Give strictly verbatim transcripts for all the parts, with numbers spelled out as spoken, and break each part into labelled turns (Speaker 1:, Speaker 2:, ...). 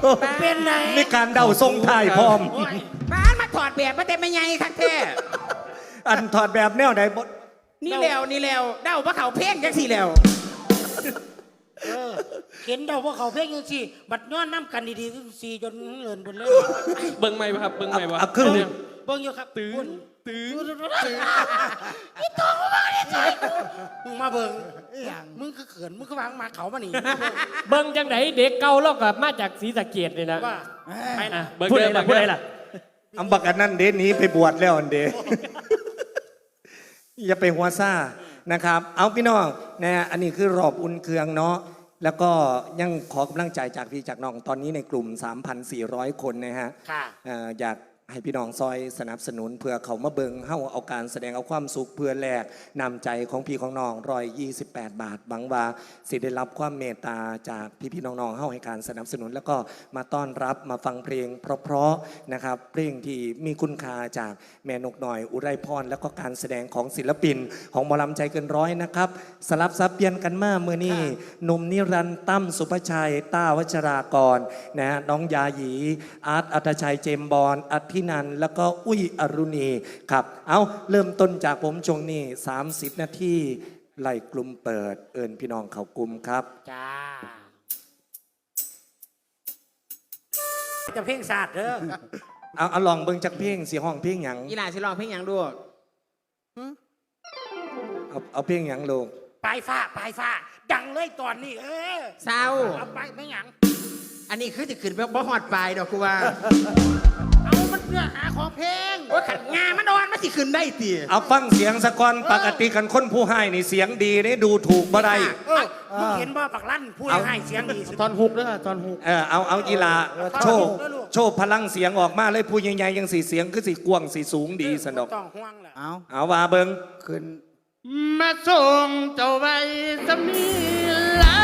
Speaker 1: เป็นไง
Speaker 2: มีการเดาทรงถ่ายพร้อม
Speaker 1: บ้านมาถอดแบบมาแต่ไม่ใหญ่ครับแท้
Speaker 2: อันถอดแบบแนวไหนบด
Speaker 1: นี่แล้วนี่แล้วเดาว่าเขาเพ่งจังสิแล้ว
Speaker 3: เห็นเดาว่าเขาเพ่งยังสิบัดย้อนน้ำกันดีๆสี่จนเลินบนเลย
Speaker 4: เบิ้งไหมครับเบิ้งไหมวะ
Speaker 2: เอาครึ่ง
Speaker 3: เบิ้งอยู่ครับ
Speaker 4: ตื่นตื่น
Speaker 3: นี่ตัวมึงมาเนี่ยใจมึงมาเบิ้งมึงก็เขินมึงก็วางมาเขามาหนี
Speaker 4: เบิ้งจังไหนเด็กเก่าแล้วกับมาจากศรีสะเกษเลยนะ
Speaker 3: ว่า
Speaker 4: ไปนะ
Speaker 2: พูดอะไรล่ะพูดอะไรล่ะอำบักอันนั้นเดนนี้ไปบวชแล้วอันเดอย่าไปหัวซ่านะครับเอาพี่น้องนะอันนี้คือรอบอุ่นเครื่องเนาะแล้วก็ยังขอกำลังใจจากพี่จากน้องตอนนี้ในกลุ่ม สามพันสี่ร้อย คนนะฮะอยากให้พี่น้องซอยสนับสนุนเพื่อเขามาเบิงเฮ้าเอาการแสดงเอาความสุขเพื่อแลกนำใจของพี่ของน้องร้อยยี่สิบแปดบาทบังว่าสิได้รับความเมตตาจากพี่พี่น้องๆเฮ้าให้การสนับสนุนแล้วก็มาต้อนรับมาฟังเพลงเพราะๆนะครับเพลงที่มีคุณค่าจากแม่นกหน่อยอุไรพรแล้วก็การแสดงของศิลปินของหมอลำใจเกินร้อยนะครับสลับซับเปลี่ยนกันมาเมื่อนี้หนุ่มนิรันดร์ตั้มสุภชัยต้าวัชรากรนะฮะน้องยาหยีอาร์ตอัตชัยเจมบอลอัธนันแล้วก็อุ้ยอรุณีครับเอาเริ่มต้นจากผมช่วงนี้สามสิบนาทีไล่กลุ่มเปิดเอิญพี่น้องเขากลุ่มครับ
Speaker 3: จ้าจะเพ่งศาสตร์เด้อ
Speaker 2: เอาเอาลองเบิ่งจากเพลงสีห้องเพลงหยัง
Speaker 1: อีหลาสิลองเพลงหยังดู
Speaker 2: เอาเอาเพลงหยังลง
Speaker 3: ปลายฟ้าปลายฟ้าดังเลยตอนนี้เออ
Speaker 1: เศร้า
Speaker 3: เอาไปไม่หยัง
Speaker 1: อันนี้คือจะขึ้นไปบ่ฮอดปลายดอกกูว่า
Speaker 3: เอามันเนื้อหาของเพลง
Speaker 1: ว่าขันงามันนอนมันสิขึ้นได้ตี
Speaker 2: เอาฟังเสียงสะก่อนปกติกันคนผู้ให้นี่เสียงดีนี่ดูถูกบ่ได้
Speaker 3: มึงเห็นบ่ปักลั่นผู้ให้เสียงดี
Speaker 4: ตอนฮุกด้วยตอนฮุก
Speaker 2: เออเอาเอาอีลาโชว์โชว์พลังเสียงออกมาเลยผู้ใหญ่ๆยังสีเสียงคือสีกว้างสีสูงดีสนอก
Speaker 3: ต้องห่วงแหละ
Speaker 2: เอาเอาว่าเบิ่งขึ้น
Speaker 4: มาส่งเจ้าไว้สำนีลา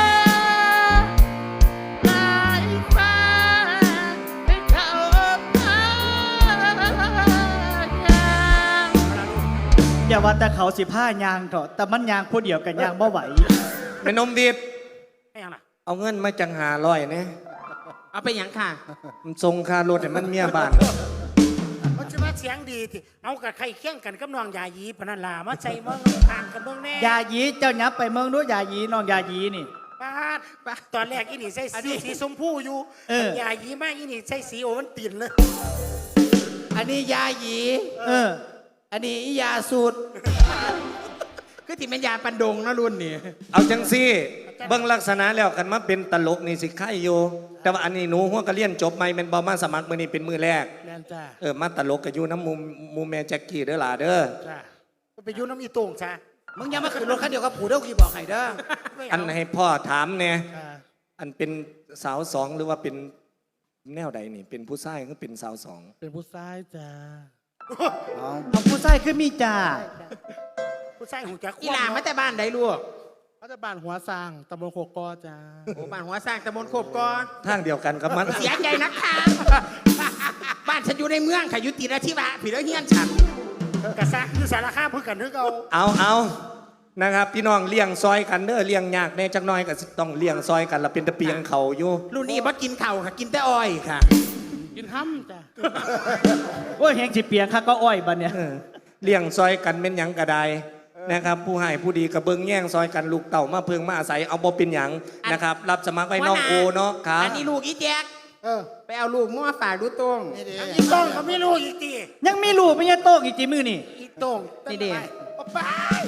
Speaker 5: อย่าว่าแต่เขาสิผ้ายางเถอะแต่มันยางผู้เดียวกันยางบ่ไหว
Speaker 2: เป็นนมบีบ
Speaker 3: ไม่ยังล่ะ
Speaker 2: เอาเงินมาจังหาร้อยเนี่ย
Speaker 1: เอาไปยังค่ะ
Speaker 2: มันทรงคารถแต่มันเมียบ้าน
Speaker 3: มันจะมาเสียงดีที่เอากับใครเคี่ยงกันกับน้องยายีปนันลามาใจเมืองทางกันเมืองแน่
Speaker 5: ยายีเจ้ายับไปเมืองด้วยยายีน้องยายีนี่
Speaker 3: ป้าป้าตอนแรกอีนี่ใส่สีสีชมพูอยู่ยายีมากอีนี่ใส่สีโอวันตินเลย
Speaker 1: อันนี้ยายี
Speaker 5: เออ
Speaker 1: อันนี้ยาสูตรคือที่เป็นยาปันดงนะรุ่นนี่
Speaker 2: เอาจังซี่เบิ่งลักษณะแล้วกันมาเป็นตลกนี่สิไข่อยู่แต่ว่าอันนี้หนูหัวกระเลียนจบใหม่เป็นบอมาสมัครมือนี้เป็นมือแรกเออมาตลกกับยูน้ำมูมูแม่แจ็คกี้เด้อล่ะเด้อ
Speaker 3: จ้าไปยูน้ำอีโต่งจ้า
Speaker 1: มึงยังมาขึ้นรถคันเดียวกับผู้เด้อกี่บอกใครเด้อ
Speaker 2: อันให้พ่อถามเนี่ยอันเป็นสาวสองหรือว่าเป็นแนวใดนี่เป็นผู้ชายหรือเป็นสาวสอง
Speaker 3: เป็นผู้ชายจ้า
Speaker 5: เอาผู้ชายคือมีจ่า
Speaker 3: ผู้ชายหูจัก
Speaker 1: อีหลามาแต่บ้านใดลูก
Speaker 3: มาแต่บ้านหัวสร้างตำบลโคกกอจ้า
Speaker 1: โอ้บ้านหัวสร้างตำบลโคกกอ
Speaker 2: ทางเดียวกันกับมัน
Speaker 1: เสียใจนักข่าวบ้านฉันอยู่ในเมืองค่ะอยู่ตีราธิวาผีแล้วเฮียนฉัน
Speaker 3: กระซ่าคือสารคามเพื่อกันนึกเอา
Speaker 2: เอาเอานะครับพี่น้องเลี้ยงซอยกันเด้อเลี้ยงยากแน่จักน้อยก็ต้องเลี้ยงซอยกันละเป็นตะเปียงเขาอยู่
Speaker 1: รุ่นนี้บ่กินเข่าค่ะกินแต่อ้อยค่ะ
Speaker 3: กินห้ำจ้ะ
Speaker 5: โอ้ยแหงสิเปียงค่ะก็อ้อยบัดเนี่ย
Speaker 2: เลี้ยงซอยกันเป็นหยังกระไดนะครับผู้ให้ผู้ดีกระเบื้องแย่งซอยกันลูกเต่ามาเพิงมาอาศัยเอาบ่เป็นหยังนะครับรับสมัครไว้น้องโอเนาะครับ
Speaker 1: อันนี้ลูกอีแจ๊กไปเอาลูกมั่วฝากดูตรง
Speaker 3: อีโต้งเขาไม่รู้อีกที
Speaker 5: ยังมีลูกไม่ใช่โต้งอีกจีมือนี่
Speaker 3: อีโต้ง
Speaker 1: นี่เด็ก
Speaker 3: ไป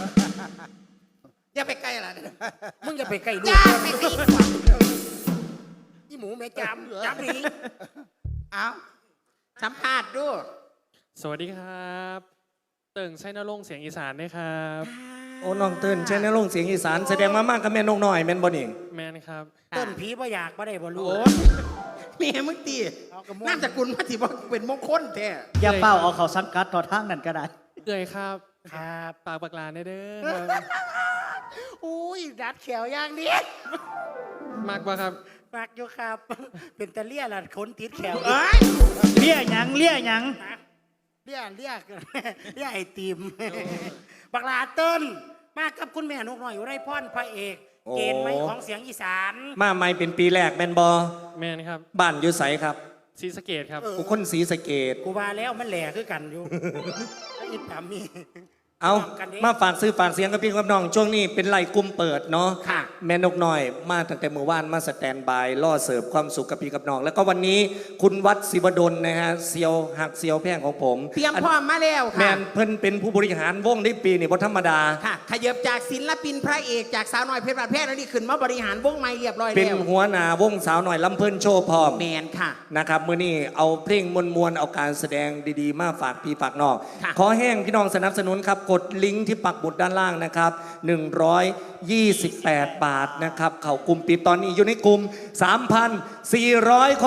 Speaker 1: อย่าไปใกล้ละ
Speaker 3: มึงอย่าไปใกล้ลูก
Speaker 1: อย่าไปใกล้
Speaker 3: อีหมูแม่จำจำนี่
Speaker 1: เอาสัมภาษณ์ดู
Speaker 4: สวัสดีครับเติ่งใช้นรงเสียงอีสานได้ครับ
Speaker 2: โอ้น้องเติ้นใช้นรงเสียงอีสานแสดงมามากกับแม่นกน้อยแม่นบ่นี่
Speaker 4: แม่นครับ
Speaker 3: เติ้นผีบ่อยากบ่ได้บ่รู้
Speaker 1: แม่มึงตีน้ำสกุลมาที่บ่เป็นมงคลแท้
Speaker 5: อย่าเป้าเอาเขาสังกัดต่อทางนั่นก็ได้
Speaker 4: เอ่ยครับ
Speaker 3: ครับ
Speaker 4: ปากปากลาเด้อ
Speaker 3: อุ้ยดัดแขวย่างนี้
Speaker 4: มากกว่าครับ
Speaker 3: มากอยู่ครับเป็นตะเลี่ยล่ะขนติดแขว
Speaker 5: เลี่ยหยังเลี่ยหยัง
Speaker 3: เลี่ยเลี่ยเลี่ยไอติมบักลาเติ้ลมากับคุณแม่นกน้อยอยู่ไรพ่อนพระเอกเกณฑ์ไม่ของเสียงอีสาน
Speaker 2: มาใหม่เป็นปีแรกแมนบอ
Speaker 4: แมนครับ
Speaker 2: บ้านอยู่ไสครับ
Speaker 4: ศรีสะเกดครับ
Speaker 2: กูคนศรีสะเกด
Speaker 3: กูว่าแล้วมันแหล่คือกันอยู่ ไอ้อีปามี
Speaker 2: เอา
Speaker 3: พร้อมกันดิ
Speaker 2: มาฝากซื้อฝากเสียงกับพี่กับน้องช่วงนี้เป็นไล่กลุ่มเปิดเนาะ
Speaker 3: ค่ะ
Speaker 2: แม่นกน้อยมาตั้งแต่เมื่อวานมาสแตนบายล่อเสิร์ฟความสุขกับพี่กับน้อง แล้วก็วันนี้คุณวัดศิวดลนะฮะเซียวหักเซียวแพงของผม
Speaker 1: เตรียมพร้อมมาแล้ว
Speaker 2: แม
Speaker 1: ค่ะ
Speaker 2: นเพิ่นเป็นผู้บริหารวงได้ปีนี่บ่ธรรมดา
Speaker 1: ค่ะ ขยับจากศิลปินพระเอกจากสาวน้อยเพชรบาดแพทย์นี่ขึ้นมาบริหารวงใหม่เรียบร้อย
Speaker 2: เป็น
Speaker 1: แล้ว
Speaker 2: หัวหน้าวงสาวหน่อยลำเพิ่นโชว์พร้อม
Speaker 1: แมนค่ะ
Speaker 2: นะครับมื้อนี้เอาเพลงมวลๆเอาการแสดงดีๆ มาฝากพี่ฝากน้อง
Speaker 1: ค่ะ
Speaker 2: ขอแห้งพี่น้องสนับสนุนครับกดลิงก์ที่ปักหมุดด้านล่างนะครับหนึ่งร้อยยี่สิบแปดบาทนะครับเข้ากลุ่มปิดตอนนี้อยู่ในกลุ่ม สามพันสี่ร้อย คน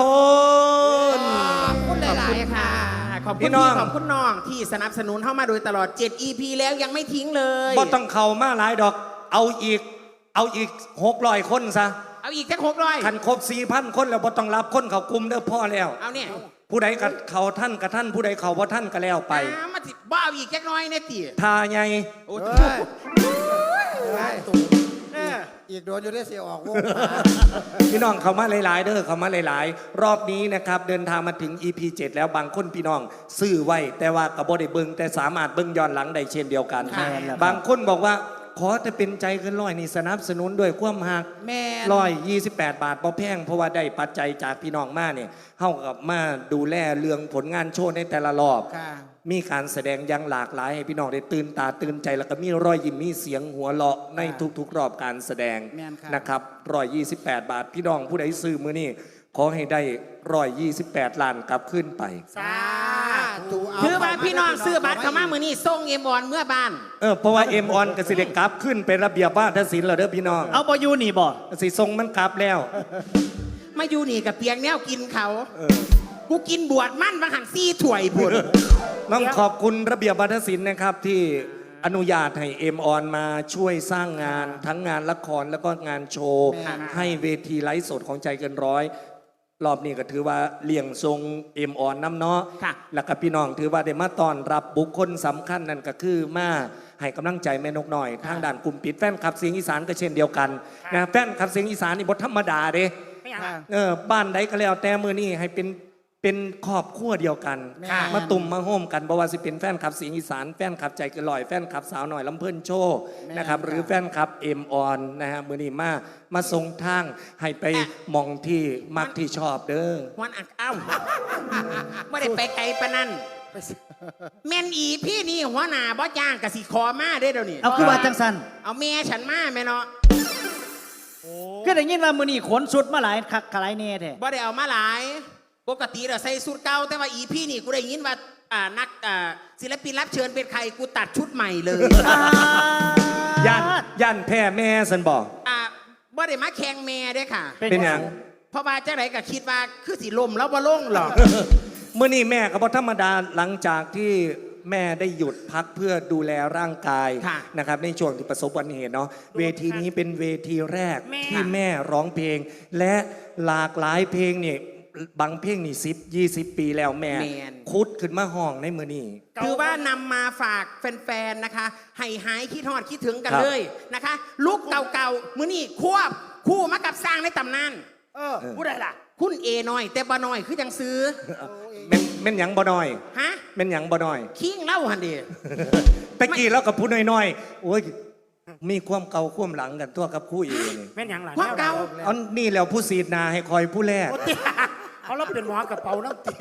Speaker 1: ขอบคุณหลายๆค่ะ ขอบคุณ
Speaker 2: พี่น้
Speaker 1: พี่
Speaker 2: อง
Speaker 1: ขอบคุณน้องที่สนับสนุนเข้ามาโดยตลอด เจ็ด อี พี แล้วยังไม่ทิ้งเลย
Speaker 2: บ่ต้องเข้ามาหลายดอก เอาอีก เอาอีกหกร้อยคนซะ
Speaker 1: เอาอีกจักหกร้อย
Speaker 2: คันครบสี่พันคนแล้วบ่ต้องรับคนเข้ากลุ่มเด้อพ่อแล้ว
Speaker 1: เอาเนี่ย
Speaker 2: ผู้ใดกับเขาท่านกับท่านผู้ใดเขาบ่ท่านก็แล้วไป
Speaker 1: อ่ามาสิบ้าเอาอีกจักน้อยเนี่ยตี
Speaker 2: ทาใหญ่
Speaker 1: โอ้
Speaker 6: เฮ้
Speaker 1: โห
Speaker 6: ยเฮ้ยอีกโดนอยู่ได้เสียออกวงมา
Speaker 2: พี่น้องเขามาหลายๆเด้อเขามาหลายๆ รอบนี้นะครับเดินทางมาถึง อี พี เจ็ด แล้วบางคนพี่น้องซื้อไว้ แต่ว่ากับบ่ได้เบิ่งแต่สามารถเบิ่งย้อนหลังได้เช่นเดียวกัน
Speaker 1: ค่ะ
Speaker 2: บางคนบอกว่าขอแต่เป็นใจเกินร้อยนี่สนับสนุนด้วยความหัก
Speaker 1: แม่น
Speaker 2: ร้อยยี่สิบแปดบาทบ่แพงเพราะว่าได้ปัจจัยจากพี่น้องมาเนี่ยเฮากับมาดูแลเรื่องผลงานโชว์ในแต่ละรอบ
Speaker 1: ค่ะ
Speaker 2: มีการแสดงอย่างหลากหลายให้พี่น้องได้ตื่นตาตื่นใจแล้วก็มีรอยยิ้มมีเสียงหัวเราะในทุกๆ รอบการแสดง
Speaker 1: แม่นค่ะ
Speaker 2: นะครับร้อยยี่สิบแปดบาท พี่น้องผู้ใดซื้อมือนี่ขอให้ได้ร้อยยี่สิบแปดล้านกลับขึ้นไป
Speaker 3: สาธุ
Speaker 1: คือว่าพี่น้องซื้อบัตรเข้ามามือนี้ส่งเอ็มออนเมื่อบ้าน
Speaker 2: เออเพราะว่าเอ็มออนกสิเดกลับขึ้นเป็นระเบียบว่าทศิลป์แล้วเด้อพี่น้อง
Speaker 5: เอาบอยู่นี่บ่
Speaker 2: สิทรงมันกลับแล้ว
Speaker 1: มาอยู่นี่กับเปียงแนวกินเขากูกินบวชมั่นบางหันซี่ถ้วยบุญ
Speaker 2: ต้องขอบคุณระเบียบวัฒนศิลป์นะครับที่อนุญาตให้เอ็มออนมาช่วยสร้างงานทั้งงานละครแล้วก็งานโชว์ ให้เวทีไลฟ์สดของใจเกินร้อย รอบนี้ก็ถือว่าเลี่ยงทรงเอ็มออนน้ำเนาะ
Speaker 1: ค่ะ
Speaker 2: แล้วก็พี่น้องถือว่าได้มาต้อนรับบุคคลสำคัญนั่นก็คือมาให้กำลังใจแม่นกหน่อย ทางด่านกลุ่มปิดแฟนคลับเสียงอีสานก็เช่นเดียวกันนะแฟนคลับเสียงอีสานนี่บทธรรมดาเด้
Speaker 3: ไม่อยาก
Speaker 2: เออบ้านใดก็แล้วแต่มือนี่ให้เป็นเป็นครอบครัวเดียวกัน
Speaker 1: ค่ะ
Speaker 2: มาตุ่มมาโฮมกันบ่ว่าสิเป็นแฟนคลับเสียงอีสานแฟนคลับใจเกินลอยแฟนคลับสาวหน่อยลำเพิ่นโชว์นะครับหรือแฟนคลับเอ็มออนนะฮะมือนี้มามาส่งทางให้ไปมองที่มักที่ชอบเด้อ
Speaker 1: วันอักเอ้าไม่ได้ไปไกลปะนั่นแม่นอีพี่นี่หัวหน้าบ่จ้างกะสิขอมาได้อเดี๋ยวนี้
Speaker 5: เอาคือว่าจังสัน
Speaker 1: เอาแม่ฉันมาแม่เนาะ
Speaker 5: ก็ได้ยินว่ามื้อนี้ขนสุดมาหลายคักหลายแน่แท้
Speaker 1: บ่ได้เอามาหลาย ปกติเราใส่สูทเก่าแต่ว่าอีพี่นี่กูได้ยินว่าอ่านักอ่าศิลปินรับเชิญเป็นใครกูตัดชุดใหม่เลย
Speaker 2: ย่านย่านแพ่แม่สันบอก
Speaker 1: อ่าบ่ได้มาแข่งแม่เด้อค่ะ
Speaker 2: เป็นหยัง
Speaker 1: เพราะว่าเจ้าไหนก็คิดว่าคือสิลมแล้วบ่ลงหรอก
Speaker 2: เมื่อนี้แม่ก็บอธรรมดาหลังจากที่แม่ได้หยุดพักเพื่อดูแลร่างกาย
Speaker 1: ค่ะ
Speaker 2: นะครับในช่วงที่ประสบอุบัติเหตุเนาะเวทีนี้เป็นเวทีแรก
Speaker 3: แม่
Speaker 2: ที่แม่ร้องเพลง และหลากหลายเพลงนี่บางเพลงนี่สิบยี่สิบปีแล้วแม่
Speaker 1: แม่น
Speaker 2: คุดขึ้นมาห้องในมือนี้
Speaker 1: คือว่านำมาฝากแฟนๆ นะคะ ให้หายคิดฮอดคิดถึงกัน
Speaker 2: ครับ
Speaker 1: เลยนะคะ ลูกเก่าๆ มื้อนี้ควบคู่มากับสร้างในตำนาน
Speaker 3: เออผู้ใดล่ะ
Speaker 1: คุณเอน้อย แต่บ่น้อยคือจังซื้อ
Speaker 2: แม่นแม่นหยังบ่น้อย
Speaker 1: ฮะ
Speaker 2: แม่นหยังบ่น้อย
Speaker 1: คิงเล่าหันเดี
Speaker 2: ตะกี้แล้วกับผู้น้อยๆโอ้ยมีความเก่าความหลังกันตัวกับคู่อีนี่
Speaker 3: แม่นหยังล่ะ
Speaker 1: ความเก่า
Speaker 2: เอานี่แล้วผู้สีดนาให้คอยผู้แรก
Speaker 3: โอ้ติเขาเราเป็นหมอกระเป๋าน้ำตี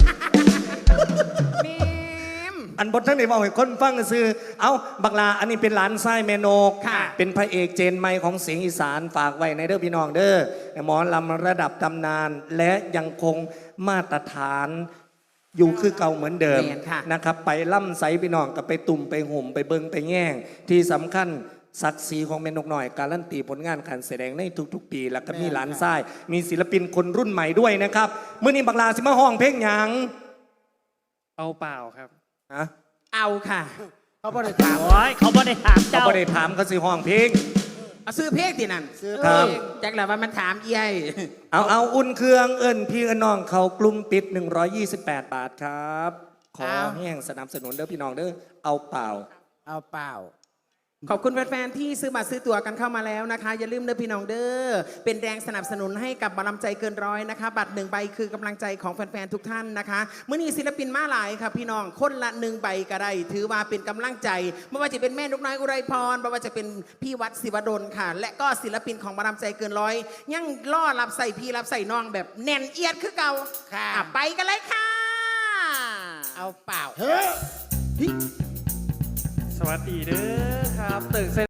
Speaker 1: แม่ม
Speaker 2: อันบททั้งในบอกให้คนฟังก็คือ เอาบักลาอันนี้เป็นหลานไส้แม่นก
Speaker 1: ค่ะ
Speaker 2: เป็นพระเอกเจนไมค์ของเสียงอีสานฝากไว้ในเด้อพี่น้องเด้อหมอลำระดับตำนาน และยังคงมาตรฐานอยู่คือเก่าเหมือนเดิม
Speaker 1: แม่นค่ะ
Speaker 2: นะครับไปล่ำไสพี่น้องก็ไปตุ่มไปห่มไปเบิงไปแง่ง ที่สำคัญศักดิ์ศรีของแม่นกหน่อยการันตีผลงานการแสดงในทุกๆ ปี แล้วก็มีหลานไส้มีศิลปินคนรุ่นใหม่ด้วยนะครับเมื่อนี้บักลาสิมาห้องเพลงหยัง
Speaker 4: เอาเปล่าครับ
Speaker 2: ฮะ
Speaker 1: เอาค่ะ
Speaker 6: เขาบ่ได้ถาม
Speaker 5: โอ้ยเขาบ่ได้ถาม
Speaker 2: เขา
Speaker 5: เจ้า
Speaker 2: ไม่ได้ถามเขาสิห้องเพลง
Speaker 1: เอาซื้อเพลงที่นั่น
Speaker 6: ซื้อ
Speaker 2: ครับ
Speaker 1: เออจักแล้วว่ามันถามเอี้ย
Speaker 2: เอาเอาอุ่นเครื่องเอิญพี่เอิญน้องเขากลุ่มปิด หนึ่งร้อยยี่สิบแปด บาทครับ ขอแห้งสนับสนุนเด้อพี่น้องเด้อเอาเปล่า
Speaker 6: เอาเปล่า
Speaker 1: ขอบคุณแฟนๆที่ซื้อบัตรซื้อตั๋วกันเข้ามาแล้วนะคะ อย่าลืมเด้อพี่น้องเด้อเป็นแรงสนับสนุนให้กับบารมใจเกินร้อยนะคะ บัตรหนึ่งใบคือกำลังใจของแฟนๆทุกท่านนะคะเมื่อนี้ศิลปินมาหลายค่ะพี่น้องคนละหนึ่งใบก็ได้ถือว่าเป็นกำลังใจไม่ว่าจะเป็นแม่นกน้อยอุไรพรไม่ว่าจะเป็นพี่วัดศิวดลค่ะ และก็ศิลปินของบารมใจเกินร้อย ยังล่อรับใส่พี่รับใส่น้องแบบแน่นเอียดคือเก่า
Speaker 3: ค่ะ
Speaker 1: อ่ะไปกันเลยค่ะ
Speaker 3: เอาเปล่า
Speaker 4: สวัสดีเด้อครับเติ่งไซ